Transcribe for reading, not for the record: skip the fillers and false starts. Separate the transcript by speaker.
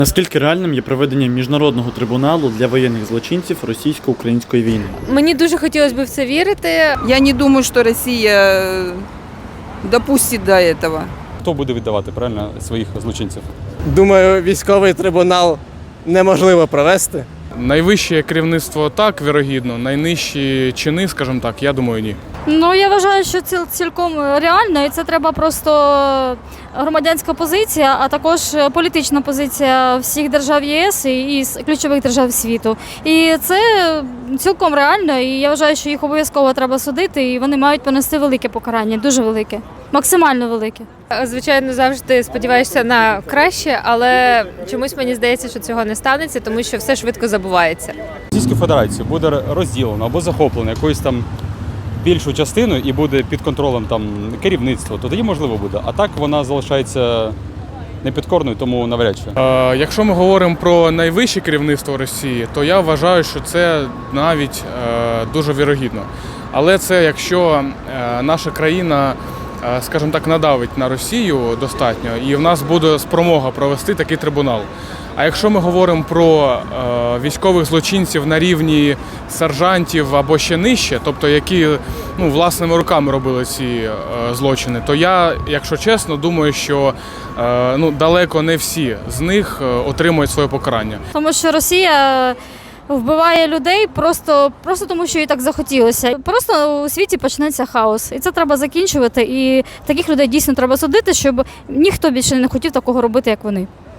Speaker 1: Наскільки реальним є проведення міжнародного трибуналу для воєнних злочинців російсько-української війни?
Speaker 2: Мені дуже хотілося б в це вірити.
Speaker 3: Я не думаю, что Россия допустит до этого.
Speaker 4: Хто буде віддавати правильно своїх злочинців?
Speaker 5: Думаю, військовий трибунал неможливо провести.
Speaker 6: Найвище керівництво так, вірогідно, найнижчі чини, скажімо так, я думаю, ні.
Speaker 7: Ну, я вважаю, що це цілком реально, і це треба просто громадянська позиція, а також політична позиція всіх держав ЄС і ключових держав світу. І це цілком реально, і я вважаю, що їх обов'язково треба судити, і вони мають понести велике покарання, дуже велике, максимально велике.
Speaker 2: Звичайно, завжди сподіваєшся на краще, але чомусь мені здається, що цього не станеться, тому що все швидко забувається.
Speaker 4: Російську Федерацію буде розділено або захоплено якоюсь там більшу частину і буде під контролем там керівництва, то тоді можливо буде. А так вона залишається непідкорною, тому навряд чи.
Speaker 6: Якщо ми говоримо про найвище керівництво Росії, то я вважаю, що це навіть дуже вірогідно. Але це якщо наша країна, скажімо так, надавить на Росію достатньо, і в нас буде спромога провести такий трибунал. А якщо ми говоримо про військових злочинців на рівні сержантів або ще нижче, тобто які власними руками робили ці злочини, то я, якщо чесно, думаю, що далеко не всі з них отримують своє покарання.
Speaker 7: Тому що Росія вбиває людей просто тому, що їй так захотілося. Просто у світі почнеться хаос. І це треба закінчувати. І таких людей дійсно треба судити, щоб ніхто більше не хотів такого робити, як вони.